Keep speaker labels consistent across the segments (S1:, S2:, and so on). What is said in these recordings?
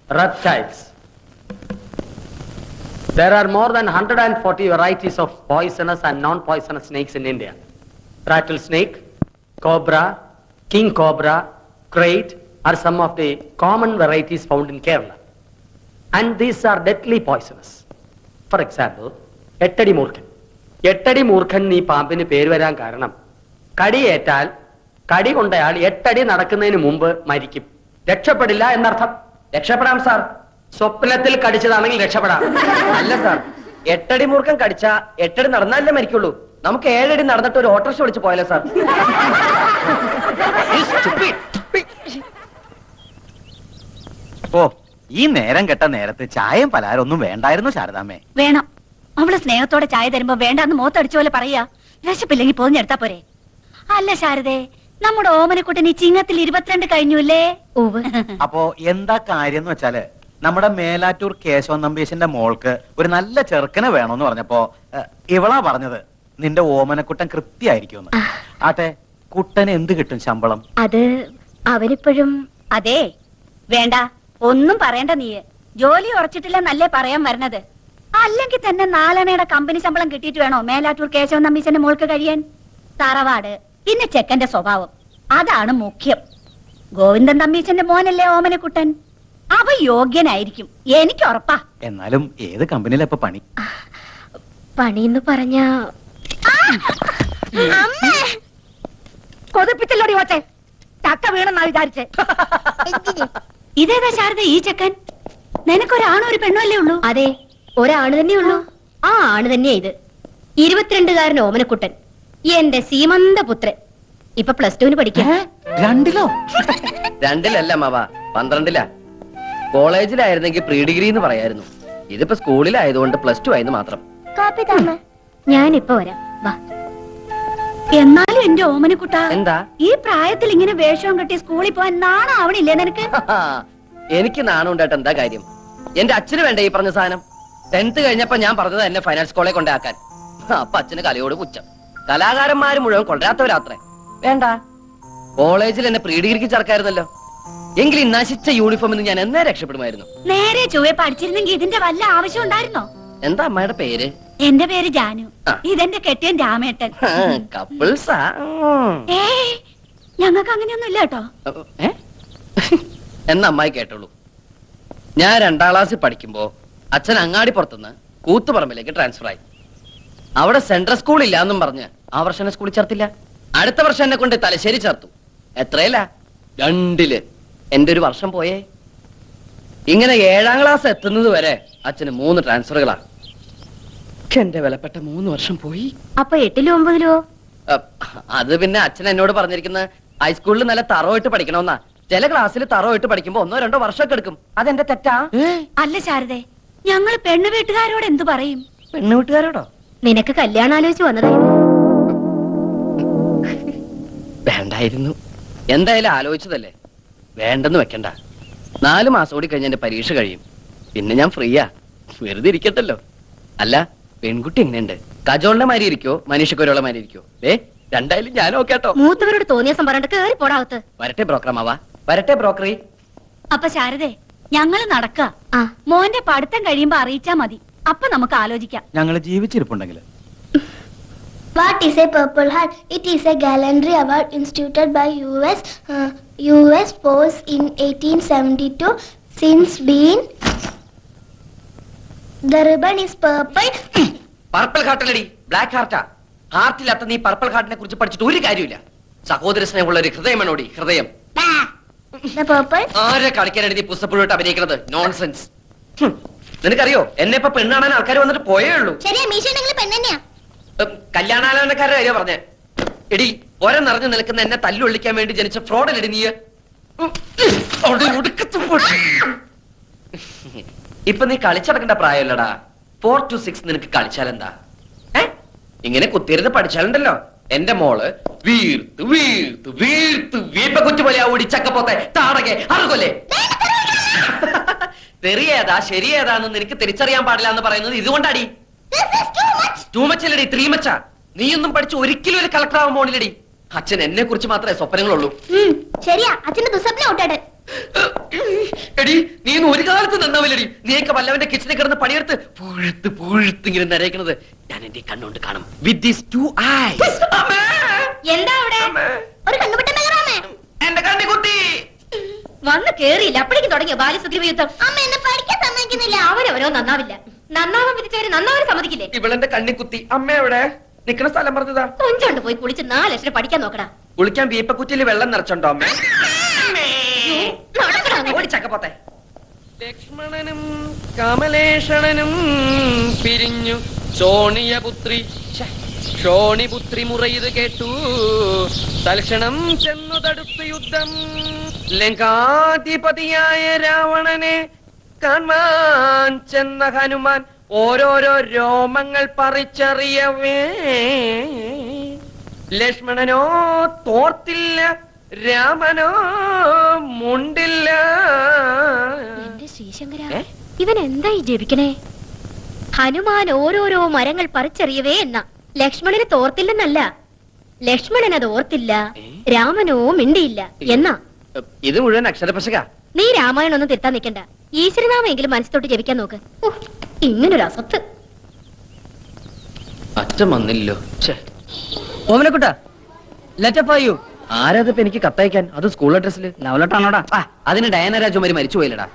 S1: reptiles. There are more than 140 varieties of poisonous and non-poisonous snakes in India. Rattlesnake, cobra, king cobra, crate are some of the common varieties found in Kerala. And these are deadly poisonous. For example, എട്ടടി മൂർഖൻ. എട്ടടി മൂർഖൻ ഈ പാമ്പിന് പേര് വരാൻ കാരണം കടിയേറ്റാൽ കടി കൊണ്ടയാൾ 8 അടി നടക്കുന്നതിന് മുമ്പ് മരിക്കും. രക്ഷപ്പെടില്ല എന്നർത്ഥം.
S2: രക്ഷപ്പെടാം സാർ.
S1: സ്വപ്നത്തിൽ കടിച്ചതാണെങ്കിൽ രക്ഷപ്പെടാം.
S2: അല്ല സാർ, 8 അടി മൂർഖൻ കടിച്ച 8 അടി നടന്നാലേ മരിക്കുള്ളൂ. നമുക്ക് 7 അടി നടന്നിട്ട് ഒരു ഓട്ടോറിക്ഷ വിളിച്ച് പോയാലോ സാർ?
S3: ഓ, ഈ നേരം കെട്ട നേരത്ത് ചായയും പലഹാരം ഒന്നും വേണ്ടായിരുന്നു ശാരദാമ്മേ.
S4: വേണം. അവള് സ്നേഹത്തോടെ ചായ തരുമ്പോ വേണ്ടാന്ന് മുഖത്തടിച്ച പോലെ പറയാ. വിശപ്പില്ലെങ്കിൽ പോഞ്ഞെടുത്താ പോരെ. അല്ല ശാരദേ, നമ്മുടെ ഓമനക്കുട്ടൻ ഈ ചിങ്ങത്തിൽ 22 കഴിഞ്ഞുല്ലേ?
S3: അപ്പോ എന്താ കാര്യം എന്ന് വെച്ചാല്, നമ്മുടെ മേലാറ്റൂർ കേശവൻ നമ്പീശന്റെ മോൾക്ക് ഒരു നല്ല ചെറുക്കനെ വേണോന്ന് പറഞ്ഞപ്പോ ഇവളാ പറഞ്ഞത് നിന്റെ ഓമനക്കുട്ടൻ കൃത്യായിരിക്കും. ആട്ടെ, കുട്ടന് എന്ത് കിട്ടും ശമ്പളം?
S4: അത് അവരിപ്പോഴും. അതെ, വേണ്ട, ഒന്നും പറയണ്ട. നീ ജോലി ഉറച്ചിട്ടില്ല നല്ലേ പറയാൻ വരണത്. അല്ലെങ്കിൽ തന്നെ 4 അണയുടെ കമ്പനി ശമ്പളം കിട്ടിയിട്ട് വേണോ മേലാറ്റൂർ കേശവൻ നമ്പീശന്റെ മോൾക്ക് കഴിയാൻ? തറവാട്, പിന്നെ ചെക്കന്റെ സ്വഭാവം, അതാണ് മുഖ്യം. ഗോവിന്ദൻ തമ്പീശന്റെ മോനല്ലേ ഓമനക്കുട്ടൻ. അവ യോഗ്യനായിരിക്കും, എനിക്ക് ഉറപ്പാ.
S3: എന്നാലും ഏത് കമ്പനിയിലാ ഇപ്പൊ പണി?
S4: പണിന്ന് പറഞ്ഞ കൊതിപ്പിച്ചല്ലോടി ഓച്ചെ. ചക്ക വീണെന്നാ വിചാരിച്ചേ. ഇതേതാ ശാരദ ഈ ചെക്കൻ? നിനക്കൊരാണോ ഒരു പെണ്ണോ അല്ലേ ഉള്ളൂ?
S5: അതെ, ഒരാണ് തന്നെ ഉള്ളൂ. ആ ആണ് തന്നെയാ ഇത്. 22-കാരൻ ഓമനക്കുട്ടൻ, എന്റെ സീമന്ത പുത്രൻ. ഇപ്പൊ +2 പഠിക്കാം.
S3: 2-ലോ?
S2: 2-ലല്ല മാവ, 12-ലാ. കോളേജിലായിരുന്നെങ്കിൽ പ്രീ ഡിഗ്രി എന്ന് പറയായിരുന്നു. ഇതിപ്പോ സ്കൂളിലായതുകൊണ്ട് +2 ആയെന്ന് മാത്രം.
S5: ഞാനിപ്പോ വരാം, വാ.
S4: എന്നാലും എന്റെ ഓമനക്കുട്ട,
S2: എന്താ
S4: ഈ പ്രായത്തിൽ ഇങ്ങനെ വേഷവും കെട്ടി സ്കൂളിൽ പോവാൻ നാണാവണില്ലേ നിനക്ക്?
S2: എനിക്ക് നാണം ഉണ്ടായിട്ട് എന്താ കാര്യം? എന്റെ അച്ഛന് വേണ്ട ഈ പറഞ്ഞ സാധനം. 10th കഴിഞ്ഞപ്പോ ഞാൻ പറഞ്ഞത് എന്നെ ഫൈനാൻസ് കോളേജ് കൊണ്ടാക്കാൻ. അപ്പൊ അച്ഛന് കലയോട് പുച്ഛം. കലാകാരന്മാര് മുഴുവൻ കൊണ്ടുവരാത്തവരാത്രേ. വേണ്ട, കോളേജിൽ എന്നെ പ്രീ ഡിഗ്രിക്ക് ചേർക്കായിരുന്നല്ലോ. എങ്കിൽ ഈ നശിച്ച യൂണിഫോമിൽ നിന്ന് ഞാൻ എന്നേ രക്ഷപ്പെടുമായിരുന്നു.
S4: നേരെ ചൊവ്വെ പഠിച്ചിരുന്നെങ്കിൽ ഇതിന്റെ വല്ല ആവശ്യം ഉണ്ടായിരുന്നോ?
S2: എന്താ അമ്മയുടെ പേര്?
S4: എന്റെ പേര് ജാനു. ഇതെന്റെ കെട്ടിയൻ രാമേട്ടൻ.
S2: കപ്പിൾസാ?
S4: ഏയ്, ഞങ്ങൾക്ക് അങ്ങനെയൊന്നും ഇല്ല കേട്ടോ.
S2: എന്നാ അമ്മായി കേട്ടോളൂ. ഞാൻ 2ാം ക്ലാസ്സിൽ പഠിക്കുമ്പോ അച്ഛൻ അങ്ങാടിപ്പുറത്തുനിന്ന് കൂത്തുപറമ്പിലേക്ക് ട്രാൻസ്ഫർ ആയി. അവിടെ സെൻട്രൽ സ്കൂൾ ഇല്ല എന്നും പറഞ്ഞ് ആ വർഷം സ്കൂളിൽ ചേർത്തില്ല. അടുത്ത വർഷം എന്നെ കൊണ്ട് തലശ്ശേരി ചേർത്തു. എത്രയല്ല, 2-ല്. എന്റെ ഒരു വർഷം പോയേ. ഇങ്ങനെ 7ാം ക്ലാസ് എത്തുന്നത് വരെ അച്ഛന് 3 ട്രാൻസ്ഫറുകളാ. എന്റെ വിലപ്പെട്ട 3 വർഷം പോയി.
S5: അപ്പൊ 8-ലോ 9-ലോ?
S2: അത് പിന്നെ അച്ഛൻ എന്നോട് പറഞ്ഞിരിക്കുന്നത് ഹൈസ്കൂളിൽ നല്ല തറവായിട്ട് പഠിക്കണമെന്നാ. ചില ക്ലാസ്സിൽ തറവായിട്ട് പഠിക്കുമ്പോ 1-2 വർഷമൊക്കെ എടുക്കും. അതെന്റെ തെറ്റാ?
S4: അല്ല ശാരദേ, ഞങ്ങൾ പെണ്ണു വീട്ടുകാരോട് എന്തു പറയും?
S2: പെണ്ണു വീട്ടുകാരോടോ?
S5: നിനക്ക് കല്യാണം ആലോചിച്ച് വന്നതായിരുന്നു.
S2: വേണ്ടായിരുന്നു. എന്തായാലും ആലോചിച്ചതല്ലേ, വേണ്ടെന്ന് വെക്കണ്ട. 4 മാസം കൂടി കഴിഞ്ഞ എന്റെ പരീക്ഷ കഴിയും. പിന്നെ ഞാൻ ഫ്രീയാ, വെറുതെ ഇരിക്കട്ടല്ലോ. അല്ല, പെൺകുട്ടി എങ്ങനെയുണ്ട്? കജോളിന്റെ മാതിരി ഇരിക്കോ മനീഷക്കൊരുള്ള മാതിരി ഇരിക്കോ? രണ്ടായാലും ഞാൻ ഓക്കേട്ടോ.
S5: മൂത്തവരോട് തോന്നിയ സംഭരണം കേറി പോടാകത്ത്.
S2: വരട്ടെ ബ്രോക്കറമാവാ, വരട്ടെ ബ്രോക്കറി.
S4: അപ്പൊ ശാരദേ, ഞങ്ങള് നടക്ക. മോന്റെ പഠിത്തം കഴിയുമ്പോ അറിയിച്ചാ മതി. അപ്പൊ നമുക്ക് ആലോചിക്കാം.
S3: ഞങ്ങള് ജീവിച്ചിരിപ്പുണ്ടെങ്കിൽ.
S6: What is a Purple Heart? It is a gallantry award instituted by US Force in 1872. Since been, the ribbon is purple.
S2: Purple ഹാർട്ടല്ലടി, ബ്ലാക്ക് ഹാർട്ടാ. ഹാർട്ടില്ലാത്ത നീ പർപ്പിൾ ഹാർട്ടിനെ കുറിച്ച് പഠിച്ചിട്ട് ഒരു കാര്യമില്ല. സഹോദര സ്നേഹമുള്ള ഒരു ഹൃദയമാണോടി, ഹൃദയം.
S6: The purple?
S2: ആരെ കളിക്കാനാണ് നീ പുസ്തകപ്പുഴോട്ട് അഭിനയിക്കുന്നത്? നോൺസെൻസ്. നിനക്കറിയോ, എന്നെ ഇപ്പൊ പെണ്ണാണാൻ ആൾക്കാർ വന്നിട്ട് പോയേ ഉള്ളൂ.
S6: ശരിയാ, മീശ ഉണ്ടെങ്കിൽ പെണ്ണെന്നെയാ.
S2: കല്യാണാലോചനക്കാരുടെ കാര്യം പറഞ്ഞേ. എടി, ഒര നിറഞ്ഞു നിൽക്കുന്ന എന്നെ തല്ലുള്ളിക്കാൻ വേണ്ടി ജനിച്ച ഫ്രോഡല്ലടി നീ. ഇപ്പൊ നീ കളിച്ചടക്കേണ്ട പ്രായമല്ലടാ. 4 to 6 നിനക്ക് കളിച്ചാലെന്താ? ഇങ്ങനെ കുത്തിയിരുന്ന് പഠിച്ചാലുണ്ടല്ലോ, എന്റെ മോള് വീർത്ത് വീർത്ത് വീർത്ത് വീപ്പ കുറ്റുപോലെ ആ ഓടിച്ചക്കപ്പോത്തെ താടകെ അറുകൊല്ലേ. തെറിയേതാ ശരിയേതാന്ന് നിനക്ക് തിരിച്ചറിയാൻ പാടില്ല എന്ന് പറയുന്നത് ഇതുകൊണ്ടാടി. ടൂ മച്ചല്ലടി, 3 മച്ച. നീയൊന്നും പഠിച്ച് ഒരിക്കലും ഒരു കളക്ടർ ആവാൻ പോണില്ലടി. അച്ഛൻ എന്നെ കുറിച്ച് മാത്രമേ സ്വപ്നങ്ങളുള്ളൂ.
S6: ശരിയാ, അച്ഛന്റെ ദുസ്വപ്നം ഔട്ടാട്.
S2: എടി നീ ഇന്ന് ഒരു കാലത്ത് നന്നാവില്ലടി. നീയൊക്കെ വല്ലവന്റെ കിച്ചണിൽ കിടന്ന് പണിയെടുത്ത് പുഴുത്ത് പുഴുത്ത് ഇങ്ങനെ നരയിക്കണത് ഞാൻ എന്റെ കണ്ണുകൊണ്ട് കാണും. With these two eyes.
S5: എന്താ അവിടെ ഒരു കണ്ണുപെട്ട നഗരാമേ
S2: എന്റെ കണ്ണി കുത്തി.
S5: വന്ന് കേറിയില്ല അപ്പോഴേക്കും തുടങ്ങിയ ബാല്യസുഗ്രീവ യുദ്ധം.
S6: അമ്മ എന്നെ പഠിക്കാൻ സമ്മതിക്കുന്നില്ല.
S5: അവരവരോ നന്നാവില്ല. നന്നാവാൻ വിധിച്ചവര് നന്നാവാൻ സമ്മതിക്കില്ലേ?
S2: ഇവളെന്റെ കണ്ണി കുത്തി. അമ്മ എവിടെ നിക്കണ സ്ഥലം പറഞ്ഞതാ.
S5: കൊഞ്ചോണ്ട് പോയി കുളിച്ച് 4 ലക്ഷം പഠിക്കാൻ നോക്കടാ.
S2: കുളിക്കാൻ വീപ്പക്കുറ്റിയിൽ വെള്ളം നിറച്ചുണ്ടോ അമ്മ?
S5: നടക്കടാ അങ്ങോട്ട്.
S2: ഓടിച്ചക്കപ്പോത്തെ. ലക്ഷ്മണനും കമലേഷണനും പിരിഞ്ഞു ശോണിയപുത്രി ശോണിപുത്രി മുറയത് കേട്ടു തൽക്ഷണം ചെന്നു തടുത്തു യുദ്ധം. ലങ്കാധിപതിയായ രാവണനെ കാണാൻ ചെന്ന ഹനുമാൻ ഓരോരോ രോമങ്ങൾ പറിച്ചറിയവേ ലക്ഷ്മണനോ തോർത്തില്ല, രാമനോ മുണ്ടില്ല.
S5: എന്റെ ശ്രീശങ്കര ഇവൻ എന്തായി ജപിക്കണേ? ഹനുമാൻ ഓരോരോ മരങ്ങൾ പറിച്ചെറിയവേ എന്ന ലക്ഷ്മണന് തോർത്തില്ലെന്നല്ല, ലക്ഷ്മണൻ അത് ഓർത്തില്ല, രാമനോ മിണ്ടിയില്ല എന്നാ.
S2: ഇത് മുഴുവൻ അക്ഷരപശക.
S5: നീ രാമായണം ഒന്നും തിരുത്താൻ നിൽക്കണ്ട. ഈശ്വരനാമെങ്കിലും മനസ്സിലോട്ട് ജപിക്കാൻ നോക്ക്. ഇങ്ങനൊരു അസത്ത്.
S2: അച്ഛൻ വന്നില്ലോ.
S7: ഓമനക്കുട്ട ലെറ്റർ ഫോർ യു.
S2: ആരാതിപ്പോ എനിക്ക് കത്തയക്കാൻ? അത് സ്കൂൾ അഡ്രസ്സിൽ.
S7: ലവ് ലെറ്റർ ആണോടാ?
S2: അതിന് ഡയന രാജകുമാരി മരിച്ചു പോയില്ലടാ.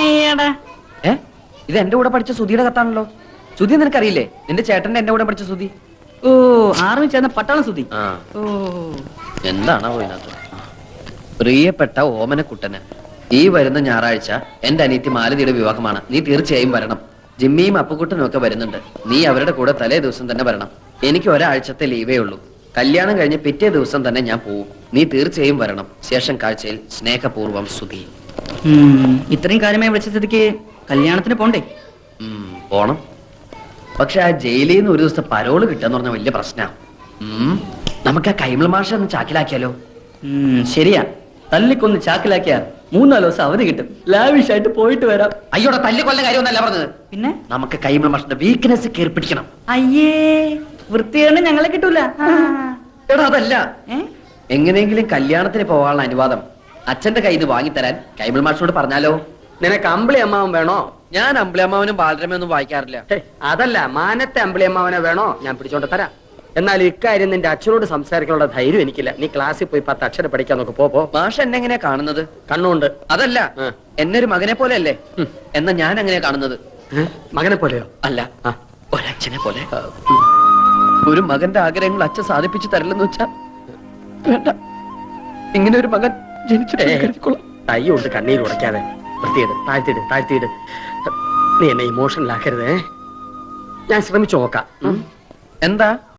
S2: ഇത് എന്റെ കൂടെ പഠിച്ച സുധിയുടെ കത്താണല്ലോ. സുധി നിനക്കറിയില്ലേ? നിന്റെ ചേട്ടന്റെ എന്റെ കൂടെ പഠിച്ച സുധി.
S7: ഓ ആർമി ചേർന്ന പട്ടാളം സുധി. ഓ
S2: എന്താണോ ഇതിനകത്ത്? പ്രിയപ്പെട്ട ഓമനക്കുട്ടന്, ഈ വരുന്ന ഞായറാഴ്ച എന്റെ അനിയത്തി മാലതിയുടെ വിവാഹമാണ്. നീ തീർച്ചയായും വരണം. ജിമ്മിയും അപ്പുക്കുട്ടനും ഒക്കെ വരുന്നുണ്ട്. നീ അവരുടെ കൂടെ തലേ ദിവസം തന്നെ വരണം. എനിക്ക് ഒരാഴ്ചത്തെ ലീവേ ഉള്ളൂ. കല്യാണം കഴിഞ്ഞ് പിറ്റേ ദിവസം തന്നെ ഞാൻ പോവും. നീ തീർച്ചയായും വരണം. ശേഷം കാഴ്ചയിൽ സ്നേഹപൂർവ്വം സുധി.
S7: ഇത്രയും കാര്യമായി വിളിച്ച സ്ഥിതിക്ക് കല്യാണത്തിന് പോണ്ടേ?
S2: പോണം. പക്ഷെ ആ ജയിലിൽ നിന്ന് ഒരു ദിവസത്തെ പരോള് കിട്ടാന്ന് പറഞ്ഞ വലിയ പ്രശ്നമാണ്. നമുക്ക് ആ കൈമൾ മാഷ ഒന്ന് ചാക്കിലാക്കിയാലോ?
S7: ശരിയാ, തല്ലിക്കൊന്ന് ചാക്കിലാക്കിയാ 3-4 ദിവസം അവധി കിട്ടും. ലാവിഷായിട്ട് പോയിട്ട് വരാം.
S2: അയ്യോടെ തല്ലി കൊല്ല കാര്യമൊന്നല്ല പറഞ്ഞത്.
S7: പിന്നെ
S2: നമുക്ക് കൈമൾ മാഷിന്റെ വീക്ക്നെസ് കയറി പിടിക്കണം.
S7: അയ്യേ വൃത്തിയാണ് ഞങ്ങളെ കിട്ടൂല.
S2: എടാ അതല്ല, എങ്ങനെയെങ്കിലും കല്യാണത്തിന് പോകാനുള്ള അനുവാദം അച്ഛന്റെ കയ്യിൽ നിന്ന് വാങ്ങിത്തരാൻ കൈമൾ മാഷിനോട് പറഞ്ഞാലോ?
S1: നിനക്ക് അമ്പിളി അമ്മാവൻ വേണോ?
S2: ഞാൻ അമ്പിളിയമ്മാവനും ബാലരമയൊന്നും വായിക്കാറില്ല.
S1: അതല്ല, മാനത്തെ അമ്പിളി അമ്മാവനെ വേണോ? ഞാൻ പിടിച്ചോണ്ട് തരാം. എന്നാൽ ഇക്കാര്യം നിന്റെ അച്ഛനോട് സംസാരിക്കാനുള്ള ധൈര്യം എനിക്കില്ല. നീ ക്ലാസ്സിൽ പോയി 10 അക്ഷരം പഠിക്കാൻ നോക്ക്. പോ.
S2: മാഷ് എന്നെ എങ്ങനെയാ കാണുന്നത്?
S1: കണ്ണുണ്ട്.
S2: അതല്ല, എന്നെ ഒരു മകനെ പോലെ അല്ലേ? എന്നാ ഞാൻ എങ്ങനെയാ കാണുന്നത്?
S1: മകനെ പോലെയോ?
S2: അല്ല, ഒരച്ഛനെ പോലെ. ഒരു മകന്റെ ആഗ്രഹങ്ങൾ അച്ഛൻ സാധിപ്പിച്ചു തരില്ലെന്ന് വെച്ചാ വേണ്ട. ഇങ്ങനെ ഒരു മകൻ ജനിച്ചിട്ട്
S1: തൈ കൊണ്ട് കണ്ണീര് ഉടയ്ക്കാതെ വൃത്തിയിട്. താഴ്ത്തിയിട്. നീ എന്നെ ഇമോഷണൽ ആക്കരുതേ. ഞാൻ ശ്രമിച്ചു നോക്കാം.
S2: എന്താ